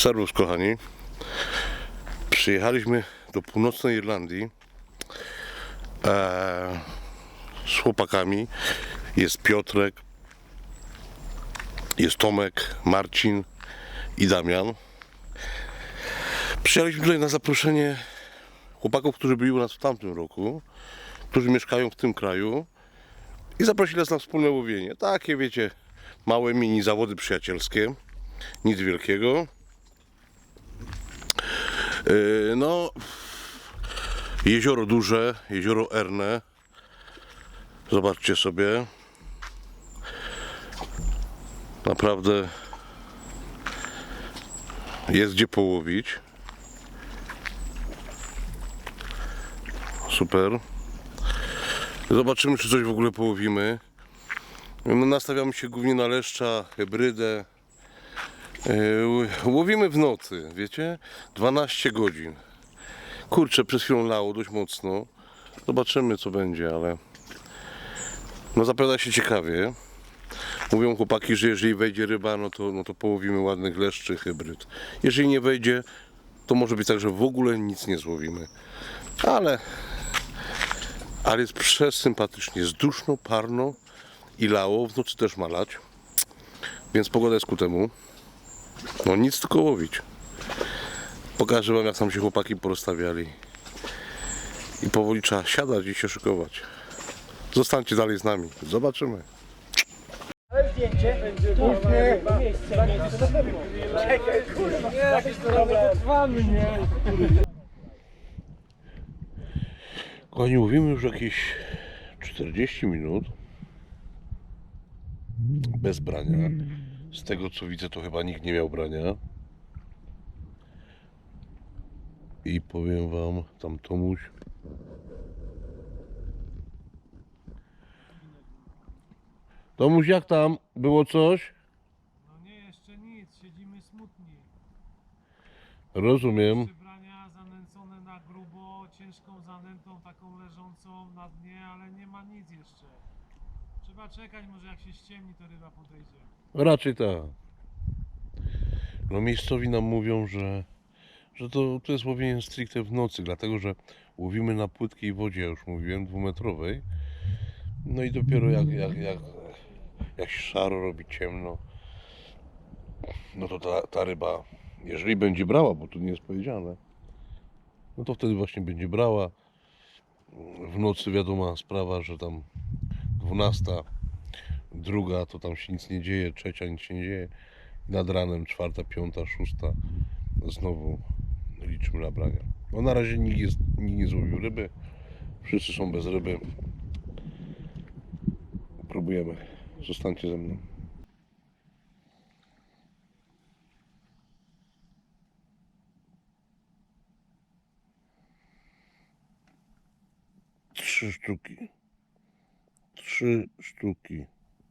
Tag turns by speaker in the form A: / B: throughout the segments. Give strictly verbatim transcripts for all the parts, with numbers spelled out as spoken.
A: Serwus kochani, przyjechaliśmy do północnej Irlandii e, z chłopakami. Jest Piotrek, jest Tomek, Marcin i Damian. Przyjechaliśmy tutaj na zaproszenie chłopaków, którzy byli u nas w tamtym roku, którzy mieszkają w tym kraju i zaprosili nas na wspólne łowienie. Takie wiecie, małe mini zawody przyjacielskie, nic wielkiego. No, jezioro duże, jezioro Erne. Zobaczcie sobie. Naprawdę jest gdzie połowić. Super. Zobaczymy, czy coś w ogóle połowimy. No, nastawiamy się głównie na leszcza, hybrydę. Łowimy w nocy, wiecie? dwanaście godzin. Kurczę, przez chwilę lało dość mocno. Zobaczymy, co będzie, ale no zapowiada się ciekawie. Mówią chłopaki, że jeżeli wejdzie ryba, no to, no to połowimy ładnych leszczy, hybryd. Jeżeli nie wejdzie, to może być tak, że w ogóle nic nie złowimy. Ale, ale jest przesympatycznie. Jest duszno, parno i lało. W nocy też ma lać. Więc pogoda jest ku temu. No nic, tylko łowić. Pokażę wam, jak tam się chłopaki porozstawiali. I powoli trzeba siadać i się szykować. Zostańcie dalej z nami. Zobaczymy.
B: Ale zdjęcie? Czekaj, kurwa. Nie, trwamy, nie.
A: Kochani, mówimy już jakieś czterdzieści minut bez brania. Z tego co widzę, to chyba nikt nie miał brania. I powiem wam, tam Tomuś Tomuś, jak tam? Było coś?
C: No nie, jeszcze nic, siedzimy smutni.
A: Rozumiem.
C: Przybrania zanęcone na grubo, ciężką zanętą taką leżącą na dnie, ale nie ma nic jeszcze. Trzeba czekać, może jak się ściemni, to ryba podejdzie.
A: Raczej tak. No miejscowi nam mówią, że, że to, to jest łowienie stricte w nocy, dlatego że łowimy na płytkiej wodzie, ja już mówiłem, dwumetrowej. No i dopiero jak, jak, jak, jak się szaro robi, ciemno, no to ta, ta ryba, jeżeli będzie brała, bo tu nie jest powiedziane, no to wtedy właśnie będzie brała. W nocy wiadoma sprawa, że tam dwunasta, druga to tam się nic nie dzieje, trzecia nic się nie dzieje. Nad ranem czwarta, piąta, szósta znowu liczymy na brania. No na razie nikt, jest, nikt nie złowił ryby. Wszyscy są bez ryby. Próbujemy. Zostańcie ze mną. Trzy sztuki. Trzy sztuki.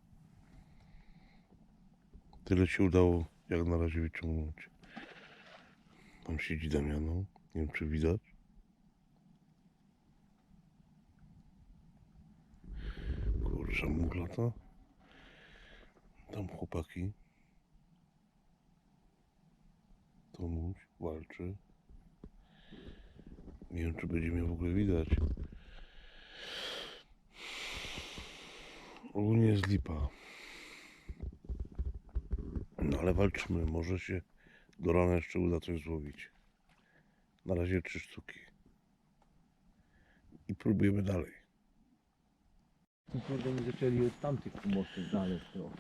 A: Tyle się udało jak na razie wyciągnąć. Tam siedzi Damiano. Nie wiem, czy widać. Kurczę, muglata. Tam chłopaki. Tomuś walczy. Nie wiem, czy będzie mnie w ogóle widać. Ogólnie jest lipa. No ale walczymy. Może się do rana jeszcze uda coś złowić. Na razie trzy sztuki. I próbujemy dalej.
B: Kurde, nie zaczęli od tamtych pomocy znaleźć to.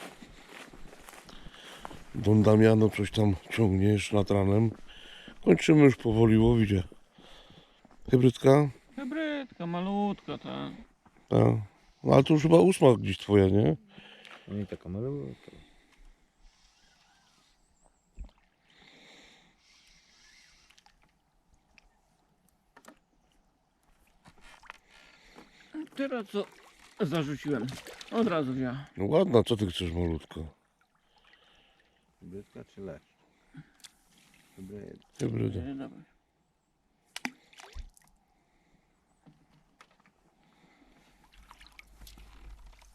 A: Don Damiano coś tam ciągniesz nad ranem. Kończymy już powoli łowić. Hybrydka?
D: Hybrydka, malutka, tak.
A: Tak. No ale to już chyba ósma gdzieś twoja, nie?
B: No i taka malutka.
D: Teraz co zarzuciłem, od razu wziąłem.
A: No ładna, co ty chcesz malutka?
B: Hybrydka czy leszcz? Hybryd.
A: Hybryda.
D: Nie, dawaj.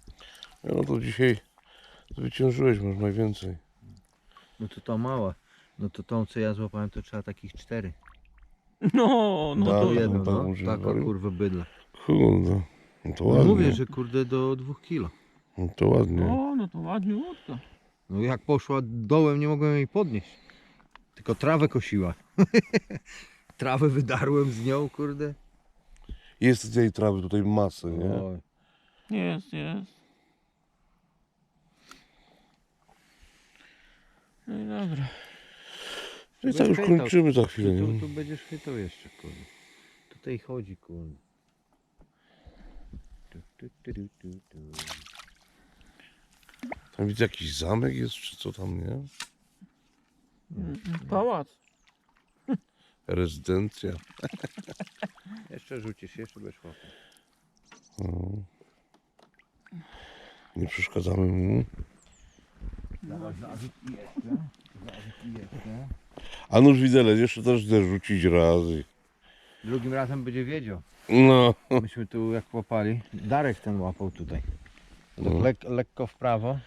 A: No to dzisiaj zwyciężyłeś, masz najwięcej.
B: No to ta mała. No to tą co ja złapałem to trzeba takich cztery.
D: No, no
A: Da,
D: to
A: ja-
B: Jedną,
A: tam
B: no.
A: używali?
B: Taka kurwa bydla.
A: Kurde. No to
B: No
A: ładnie.
B: mówię, że kurde do dwóch kilo.
A: No to ładnie.
D: O, no to ładnie łódka.
B: No jak poszła dołem nie mogłem jej podnieść. Tylko trawę kosiła. Trawę wydarłem z nią, kurde.
A: Jest tej trawy tutaj masy, nie?
B: Oj.
D: Jest, jest. No i dobra.
A: No i tak już kończymy za chwilę,
B: Tu,
A: nie?
B: tu będziesz chytał jeszcze, kurde. Tutaj chodzi, kurde. Tu, tu, tu, tu, tu, tu.
A: Tam widzę jakiś zamek jest, czy co tam, nie?
D: Pałac.
A: Rezydencja.
B: Jeszcze rzucisz, jeszcze będziesz łapał.
A: No. Nie przeszkadzamy mu.
B: Zazik i jeszcze. Zazik i jeszcze.
A: A nóż widelec, jeszcze też chcę rzucić razy.
B: Drugim razem będzie wiedział.
A: No.
B: Myśmy tu jak łapali. Darek ten łapał tutaj. Tak
A: No.
B: lek, lekko w prawo.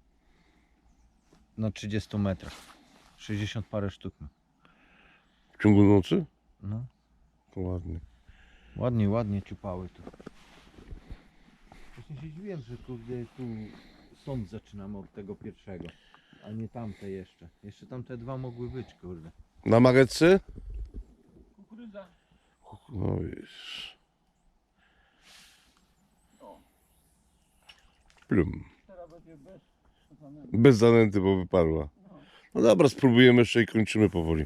B: Na trzydziestu metrach. sześćdziesiąt parę sztuk. ma.
A: W ciągu nocy?
B: No.
A: To ładnie.
B: Ładnie, ładnie ciupały tu. Właśnie się dziwiłem, że kurde tu sąd zaczynamy od tego pierwszego. A nie tamte jeszcze. Jeszcze tamte dwa mogły być, kurde.
A: Na magetce?
D: Kukurydza.
A: No wiesz. Plum.
D: Teraz będzie bez.
A: Bez zanęty, bo wyparła. No dobra, spróbujemy jeszcze i kończymy powoli.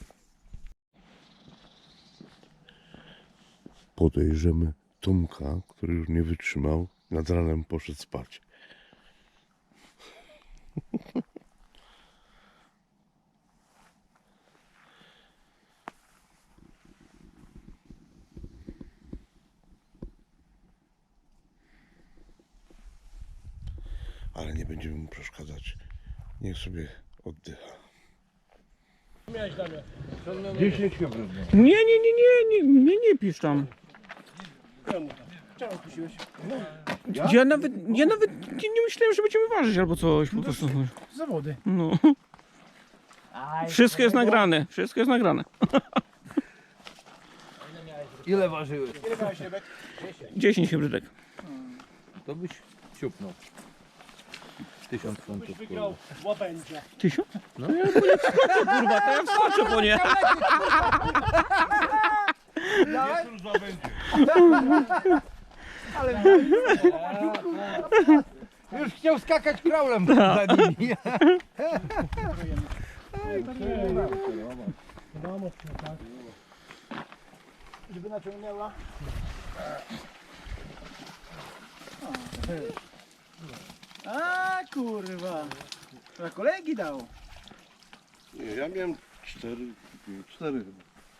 A: Podejrzemy Tomka, który już nie wytrzymał. Nad ranem poszedł spać. Ale nie będziemy mu przeszkadzać. Niech sobie oddycha.
B: dziesięć hybrydów.
D: Nie, nie, nie, nie, nie, nie, nie pisz tam. Ja nawet, ja nawet nie, nie myślałem, że będziemy ważyć albo coś po prostu.
C: Zawody.
D: No. Wszystko jest nagrane, wszystko jest nagrane.
B: Ile ważyły?
D: dziesięć hybrydek.
B: To byś siupnął. Tysiąc funtów.
C: Wygrał łapędzia.
D: Tysiąc? No ja po nie wskoczę, kurwa, to ja wskoczę po nie.
B: Już chciał skakać kraulem za nimi.
C: Wiadomo, tak. Żeby naciągnęła. A kurwa. To kolegi dał.
A: Nie, ja miałem cztery, cztery chyba.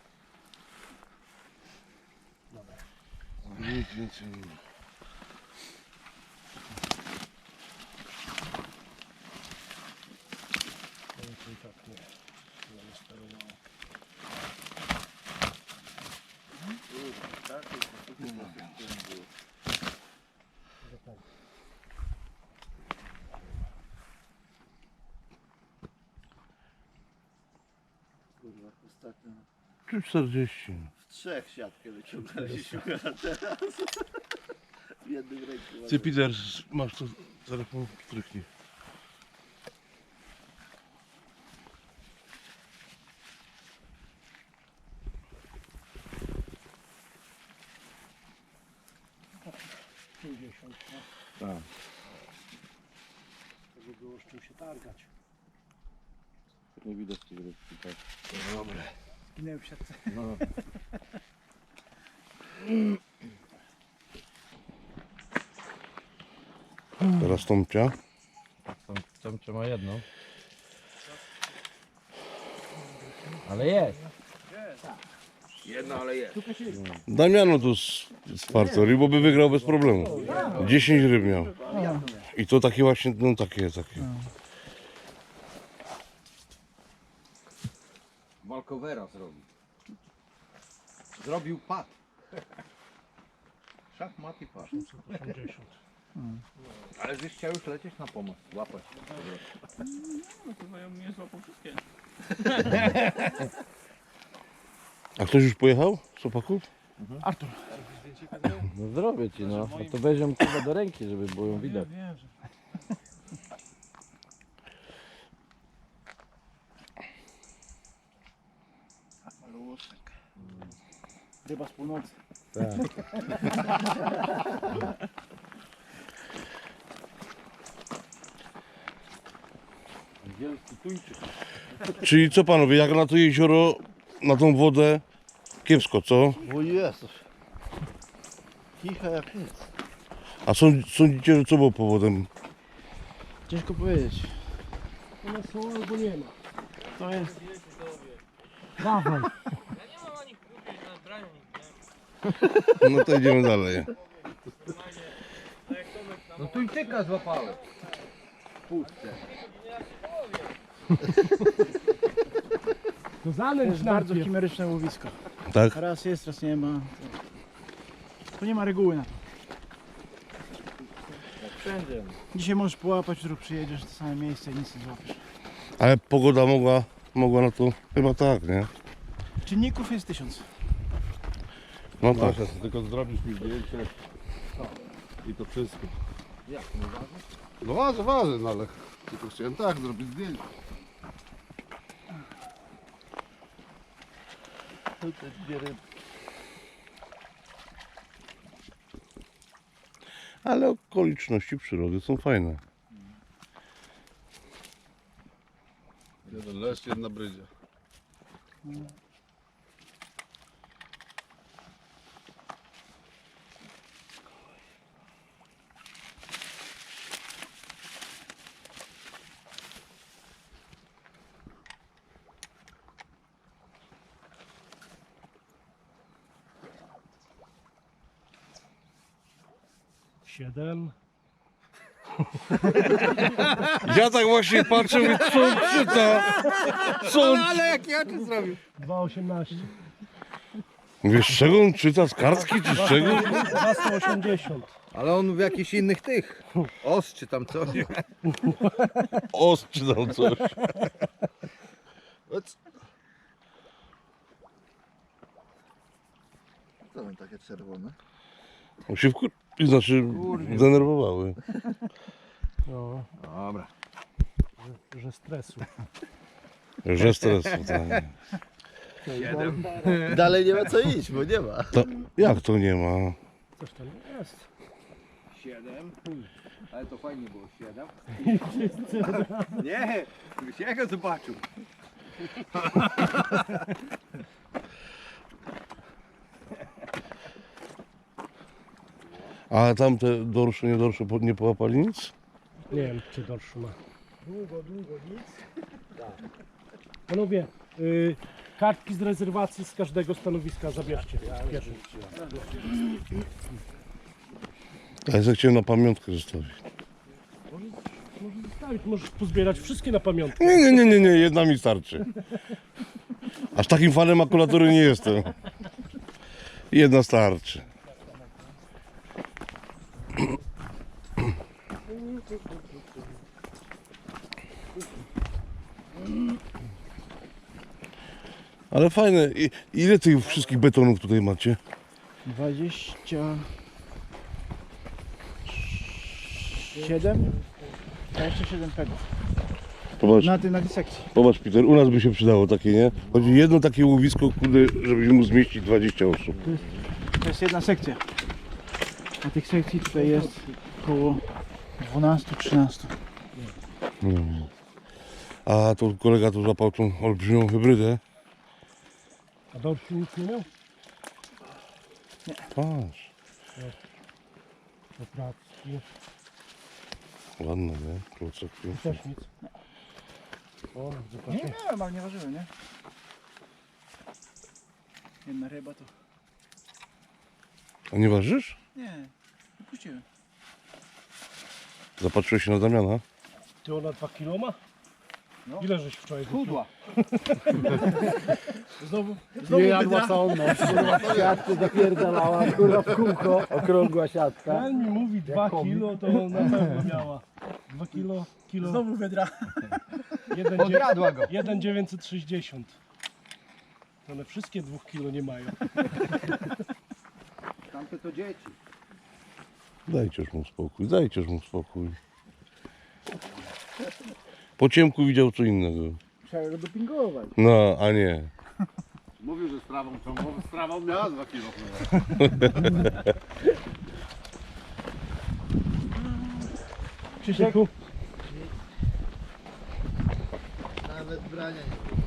A: Nic więcej nie ma.
E: Kurwa, ostatnio
A: Czy czterdzieści?
E: w trzech siatkę wyciągnęliśmy, a teraz w jednym ręku.
A: Ty, Peter, masz to telefon, stryknij.
C: pięćdziesiąt.
B: Tak.
C: Żeby było z czym się targać.
B: Nie widać tych rybki, tak.
A: Dobra.
C: Zginęły w siatce.
B: No.
A: Teraz Tomcia.
B: Tam, tam trzyma jedną. Ale jest. Jedna, ale jest.
A: Damiano tu z, z Partory, bo by wygrał bez problemu. dziesięć ryb miał. I to takie właśnie, no takie, takie.
B: Walkowera zrobił. Zrobił pad. Szachmat i pad.
C: osiemdziesiąt.
B: Ale żeś chciał już lecieć na pomoc. Łapać.
D: No to ja mnie złapał wszystkie.
A: A ktoś już pojechał z opaków?
D: Artur.
B: No zrobię ci, no. No to weźmiemy chyba do ręki, żeby było ją widać.
C: Wiem, że...
D: Maluszek. Ryba z północy.
B: Wielki tuńczyk.
A: Czyli co panowie, jak na to jezioro, na tą wodę, kiepsko, co?
E: O Jezus. Kicha jak nic.
A: A sąd, sądzicie, że co było powodem?
D: Ciężko powiedzieć.
C: One są albo nie ma.
D: To jest...
C: Dawaj.
A: No to idziemy dalej.
B: No tuńczyka złapałem. Puszczę.
C: To
D: To
C: zanęć
D: jest bardzo chimeryczne łowisko.
A: Tak?
D: Raz jest, raz nie ma. To nie ma reguły na to.
B: Wszędzie.
D: Dzisiaj możesz połapać, jutro przyjedziesz w to same miejsce i nic nie złapiesz.
A: Ale pogoda mogła, mogła na to, chyba tak, nie?
D: Czynników jest tysiąc.
A: No tak.
F: Masz, tylko zrobisz mi zdjęcie i to wszystko.
B: Jak, nie waży?
F: No waży, waży, no ale tylko chciałem tak zrobić zdjęcie.
E: Tu te dwie ryby.
A: Ale okoliczności przyrody są fajne.
F: Jeden leszcz, jedna brydzia.
C: Siedem.
A: Ja tak właśnie patrzę, mówię, co on czyta? Co on...
D: Ale jak ja to zrobił?
C: Dwa osiemnaście.
A: Mówię, z czego on czyta? Z kartki czy z czego?
C: Dwa sto osiemdziesiąt.
B: Ale on w jakichś innych tych. Os czy tam coś.
A: Os czytał coś.
E: To są takie czerwone.
A: On się wkur... Znaczy, zdenerwowały.
C: No,
B: Dobra.
C: że, że stresu.
A: Że stresu, tak.
E: Dalej nie ma co iść, bo nie ma.
A: To, jak to nie ma?
C: Coś tam jest.
B: Siedem. Ale to fajnie było, siedem. Nie, byś ja go zobaczył.
A: A tamte dorsze, nie dorsze po- nie połapali nic?
C: Nie wiem, czy dorszu ma. Długo, długo, nic. Panowie, y, kartki z rezerwacji z każdego stanowiska zabierzcie. Pierwszy.
A: Ja sobie chciałem na pamiątkę zostawić.
C: Możesz zostawić, możesz pozbierać wszystkie na pamiątkę.
A: Nie, nie, nie, nie, nie, jedna mi starczy. Aż takim fanem makulatury nie jestem. Jedna starczy. Ale fajne. I- Ile tych wszystkich betonów tutaj macie?
D: dwadzieścia siedem? dwadzieścia siedem pegów.
A: Popatrz,
D: Na tej, na tej sekcji.
A: popatrz Peter, u nas by się przydało takie, nie? Chodzi jedno takie łowisko, kurde, żebyśmy mu zmieścić dwadzieścia osób.
D: To jest jedna sekcja. A tych sekcji tutaj jest około dwanaście trzynaście.
A: No. A to kolega tu złapał tą olbrzymią hybrydę.
C: A dorszu nic nie miał?
A: Patrz,
C: Poprawki.
A: ładne, nie? Klocki.
C: Też nic. O,
D: Nie
C: zobaczcie.
D: miałem, ale nie ważyłem, nie? Jedna ryba to...
A: A nie ważysz?
D: Nie, wypuściłem.
A: Zapatrzyłeś się na Damiana?
C: Ty ona dwa kilo ma?
D: No.
C: Ile żeś wczoraj wypił?
D: Chudła.
C: Znowu,
D: Nie jadła sonno. Siatkę zapierdalała, kurwa w kółko. Okrągła siatka.
C: ten mi mówi dwa kilo, to na pewno miała. Dwa kilo, kilo.
D: Znowu wydra.
C: Jeden,
B: Odjadła go.
C: jeden dziewięćset sześćdziesiąt. One wszystkie dwóch kilo nie mają.
B: Tamte to dzieci.
A: Dajcież mu spokój, dajcież mu spokój. Po ciemku widział co innego.
D: Trzeba go dopingować.
A: No, a nie.
F: Mówił, że sprawą ciągłą, sprawą miała dwa kilo.
D: Krzysiek,
B: Nawet brania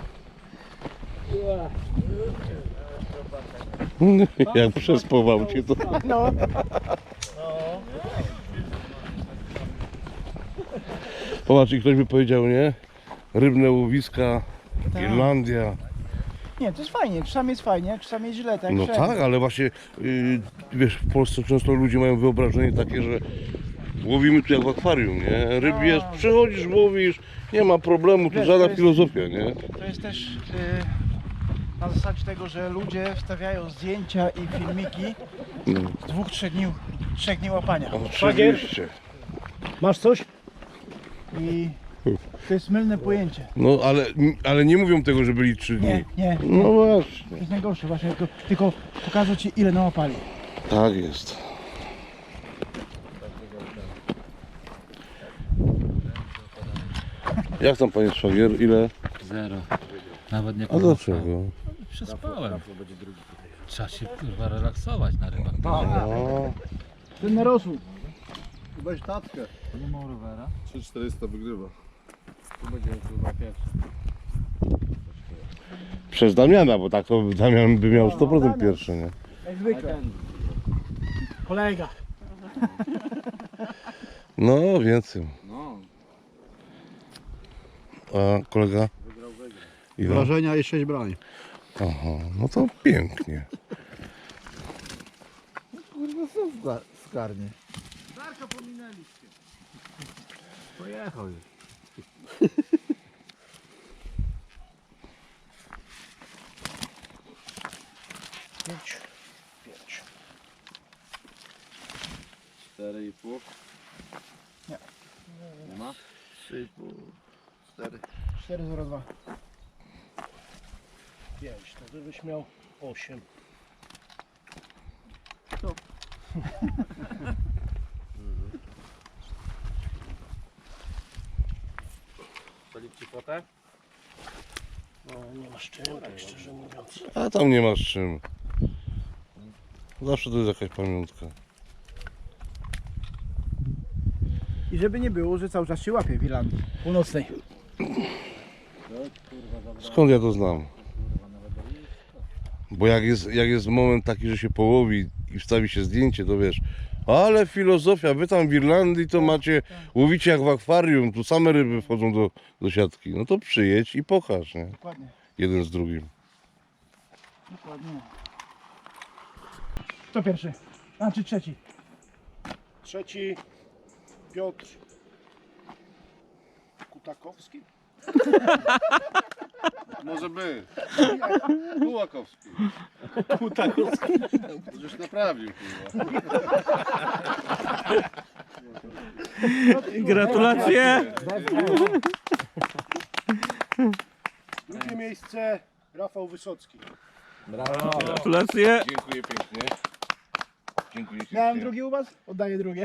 A: Jak przespował cię to.
D: no,
A: Popatrz, i ktoś by powiedział, nie? Rybne łowiska,
D: Tak.
A: Irlandia.
D: nie, to jest fajnie, czasami jest fajnie, czasami jest źle, tak?
A: No
D: wszędzie.
A: tak, ale właśnie, yy, wiesz, w Polsce często ludzie mają wyobrażenie takie, że łowimy tu jak w akwarium, nie? Ryb jest, przychodzisz, łowisz, nie ma problemu, tu
D: Wiesz,
A: żadna
D: to jest-
A: filozofia, nie?
D: To jest też y, na zasadzie tego, że ludzie wstawiają zdjęcia i filmiki
A: No,
D: z dwóch, trzech dni, trzech dni łapania.
A: oczywiście.
C: Masz coś?
D: I to jest mylne pojęcie.
A: No, ale, ale nie mówią tego, że byli trzy dni.
D: Nie, nie,
A: No właśnie.
D: to jest najgorsze właśnie, tylko, tylko pokażę ci ile nałapali.
A: Tak jest. Jak tam panie szwagier? Ile?
G: Zero. Nawet nie
A: A dlaczego?
G: Przespałem. Trzeba się kurwa relaksować na rybach.
A: No,
D: Ten narosł.
F: Weź tatkę.
G: Nie ma rowera.
F: trzy tysiące czterysta wygrywa.
G: Tu będzie chyba pierwszy.
A: przez Damiana, bo tak to Damian by miał sto procent pierwszy, nie?
D: Jak zwykle. Kolega.
A: No, więcej.
G: No.
A: A kolega? Ile?
F: Wrażenia i sześć brań.
A: Aha, no to pięknie.
B: Kurwa, co skarnie.
G: Pojechał już.
D: Pięć. Pięć.
F: cztery i pół.
D: Nie.
F: Nie ma?
B: trzy i pół, cztery.
D: cztery zero dwa.
C: pięć, to żebyś miał osiem.
G: Solić ci potę?
C: No nie masz czym, tak szczerze mówiąc.
A: A tam nie masz czym. Zawsze to jest jakaś pamiątka.
D: I żeby nie było, że cały czas się łapie w Irlandii Północnej.
A: Skąd ja to znam? Bo jak jest, jak jest moment taki, że się połowi i wstawi się zdjęcie, to wiesz, ale filozofia, wy tam w Irlandii to macie, łowicie jak w akwarium, tu same ryby wchodzą do, do siatki. No to przyjedź i pokaż, nie?
D: Dokładnie.
A: Jeden z drugim.
D: Dokładnie. Kto pierwszy? A czy trzeci?
C: Trzeci Piotr Kutakowski.
F: Może by. Kułakowski.
C: Kutakowski.
F: Już naprawił, kurwa.
C: Gratulacje. Drugie miejsce Rafał Wysocki. Gratulacje.
A: Dziękuję pięknie. Dziękuję
D: Miałem drugi u was? Oddaję drugie.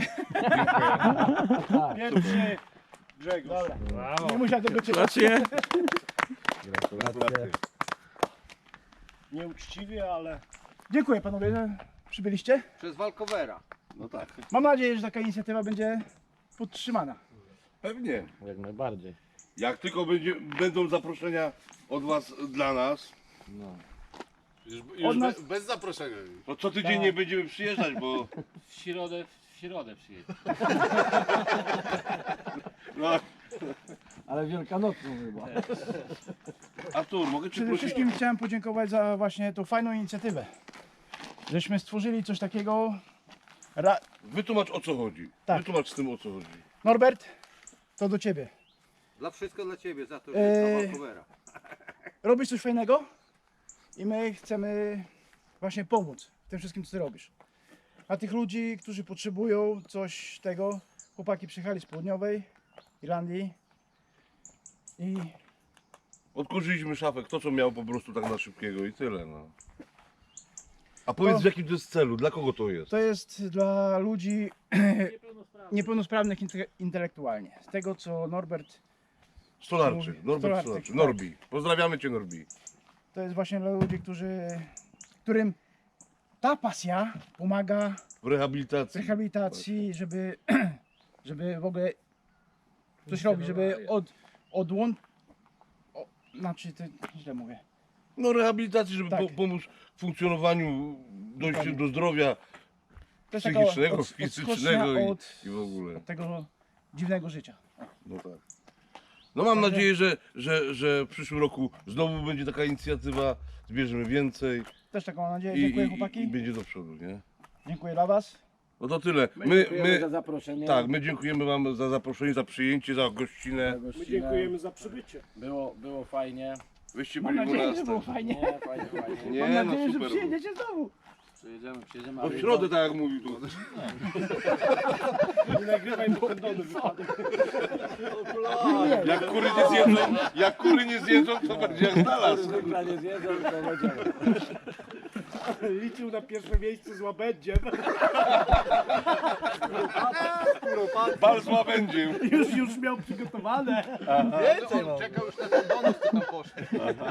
C: Pierwszy Grzegorz.
D: Nie musiałem tego czytać.
C: Gratulacje.
F: Gratulacje.
C: Nieuczciwie, ale
D: Dziękuję panowie, że przybyliście.
B: Przez walkowera.
F: No tak.
D: Mam nadzieję, że taka inicjatywa będzie podtrzymana.
A: Pewnie.
G: Jak najbardziej.
A: Jak tylko będzie, będą zaproszenia od was dla nas,
F: Już,
D: Od
F: już
D: nas-
F: be, bez zaproszenia.
A: to co tydzień nie będziemy przyjeżdżać, bo
G: W środę, w środę przyjedzie.
A: no,
B: Ale wielkanocną chyba.
A: Artur, mogę cię
D: Przede
A: prosić?
D: wszystkim chciałem podziękować za właśnie tą fajną inicjatywę. Żeśmy stworzyli coś takiego. Ra...
A: Wytłumacz o co chodzi.
D: Tak.
A: Wytłumacz z tym o co chodzi.
D: Norbert, to do ciebie.
B: Dla wszystko dla ciebie, za to, że
D: Eee.
B: jest walkowera.
D: Robisz coś fajnego i my chcemy właśnie pomóc w tym wszystkim, co ty robisz. A tych ludzi, którzy potrzebują coś tego, chłopaki przyjechali z południowej Irlandii. I
A: Odkurzyliśmy szafę, kto co miał po prostu tak na szybkiego i tyle, no. A powiedz
D: To-
A: w jakim to jest celu, dla kogo to jest?
D: to jest dla ludzi niepełnosprawnych inte- intelektualnie. Z tego co Norbert,
A: Stolarczy,
D: Mówi-
A: Norbert
D: Stolarczyk,
A: Stolarczy,
D: tak.
A: Norbi. Pozdrawiamy Cię, Norbi.
D: to jest właśnie dla ludzi, którzy, którym ta pasja pomaga
A: W rehabilitacji.
D: w rehabilitacji, żeby, żeby w ogóle coś robić, żeby od, odłączyć, znaczy, to źle mówię.
A: No rehabilitacji, żeby
D: Tak.
A: po, pomóc w funkcjonowaniu, dojściu
D: Dokładnie.
A: do zdrowia
D: To jest taka
A: psychicznego,
D: od-
A: fizycznego
D: odskocznia
A: i,
D: od,
A: i w ogóle.
D: od tego dziwnego życia.
A: No tak. No mam
D: Także-
A: nadzieję, że, że, że w przyszłym roku znowu będzie taka inicjatywa, zbierzemy więcej
D: Też taką mam nadzieję.
A: i,
D: Dziękuję
A: i,
D: chłopaki.
A: i będzie do przodu, nie?
D: Dziękuję dla was.
A: No to tyle.
E: My,
A: My,
E: dziękujemy
A: my,
E: za zaproszenie.
A: tak, my dziękujemy Wam za zaproszenie, za przyjęcie, za gościnę.
E: My dziękujemy
C: za przybycie.
E: Było, było fajnie.
A: Wyście
D: Mam
A: byli u
D: nadzieję,
A: nas.
D: że było
A: tak.
D: fajnie.
E: Nie, fajnie, fajnie.
A: Nie,
D: Mam
A: no
D: nadzieję, że
A: super.
D: przyjedziecie znowu.
E: Przyjedziemy, przyjedziemy.
A: No w
E: ale
A: środę, tak jak mówił tu.
C: Nie nagrywaj, bo kondony wypadek.
A: Jak kury nie zjedzą, jak kury nie zjedzą, to będzie jak znalazł.
E: Zwykle nie zjedzą, to będziemy.
C: Liczył na pierwsze miejsce z łabędziem.
A: Bal z łabędziem.
C: Już, już miał przygotowane.
B: Czekał już na ten bonus, co tam poszedł.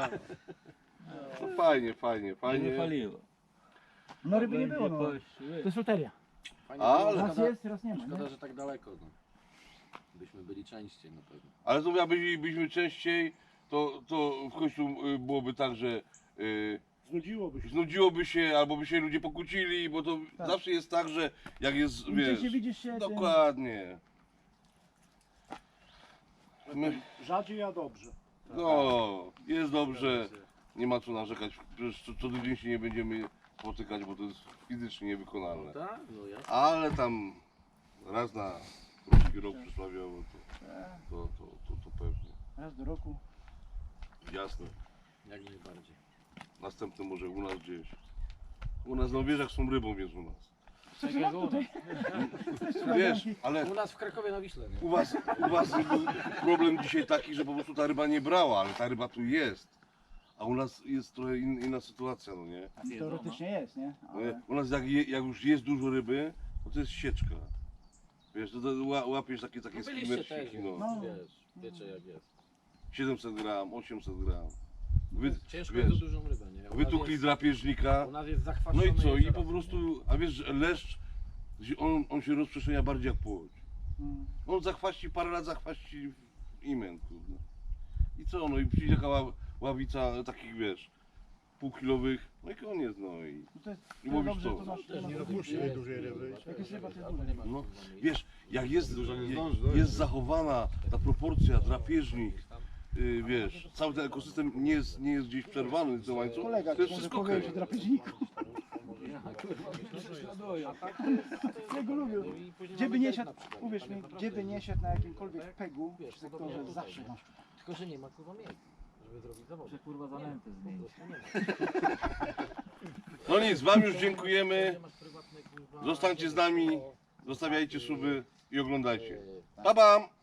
A: No fajnie, fajnie, fajnie.
E: paliło.
D: No ryby nie było, no. To jest loteria.
A: Ale,
D: Raz jest, raz nie ma.
E: Szkoda,
D: Nie?
E: że tak daleko. No. Byśmy byli częściej na pewno.
A: ale to jakbyśmy byliśmy częściej, to, to w końcu y, byłoby tak, że y,
C: Znudziłoby się.
A: znudziłoby się, albo by się ludzie pokłócili, bo to
D: Tak.
A: zawsze jest tak, że jak jest,
D: Im
A: wiesz,
D: częściej widzisz się, tym...
A: dokładnie. My,
C: Rzadziej, a dobrze.
A: no, jest dobrze, nie ma co narzekać, przecież co, co tydzień się nie będziemy spotykać, bo to jest fizycznie niewykonalne.
E: Tak? No jasne.
A: Ale tam raz na krótki rok przysławiowo, to, to, to, to, to pewnie,
D: Raz do roku.
A: jasne.
E: Jak najbardziej.
A: Następny może u nas gdzieś. U nas na wieżach są rybą, więc u nas.
E: Czekaj, u nas.
A: Wiesz, ale
E: U nas w Krakowie na Wiśle, nie?
A: u was, u was był problem dzisiaj taki, że po prostu ta ryba nie brała, ale ta ryba tu jest. A u nas jest trochę in, inna sytuacja, no nie?
D: Teoretycznie jest, nie? Ale...
A: U nas jak, je, jak już jest dużo ryby, to to jest sieczka. Wiesz, to, to ła- łapiesz takie, takie
E: No byliście też,
A: skimerczyki,
E: no.
A: no.
E: Wiesz, wiecie jak jest.
A: siedemset gram, osiemset gram. Wy,
E: Ciężko
A: wiesz,
E: jest o dużą rybę, nie? U nas
A: wytukli
E: jest-
A: drapieżnika.
E: U nas jest
A: No
E: zachwaszone
A: i co? I
E: jezioro,
A: po
E: nie?
A: prostu, a wiesz, że leszcz, on, on się rozprzestrzenia bardziej jak płoć.
D: Mm.
A: On zachwaści, parę lat zachwaści imen, kurde. I co, no i przyjdzie taka ła- ławica takich, wiesz, półkilowych, no i koniec, no i...
D: No to jest,
A: I
D: to jest
A: mówisz
D: dobrze,
A: co?
D: to masz...
E: Też
D: to
E: nie
D: masz-
E: dopuści
C: tej dużej ryby.
D: Jak jest ryba, to jest
E: Albo
D: duża.
E: nie ma
A: No,
E: kurwa miejsca.
A: wiesz, jak jest,
F: Dużo nie
A: je-
F: zdąży dojść.
A: jest zachowana ta proporcja, drapieżnik, yy, wiesz, cały ten ekosystem nie jest, nie jest gdzieś przerwany, ten łańcuch,
D: Kolega
A: to jest
D: może
A: wszystko
D: powiedzieć o
A: okej.
D: drapieżniku. Ja go lubię. Gdzie by nie szedł, uwierz mi, gdzie by nie szedł na jakimkolwiek pegu w sektorze, zawsze masz.
E: Tylko, że nie ma kurwa miejsca, żeby zrobić zawód. Że
B: kurwa zanęty zmienić.
A: No nic, wam już dziękujemy, zostańcie z nami, zostawiajcie suby i oglądajcie. Pa, pam!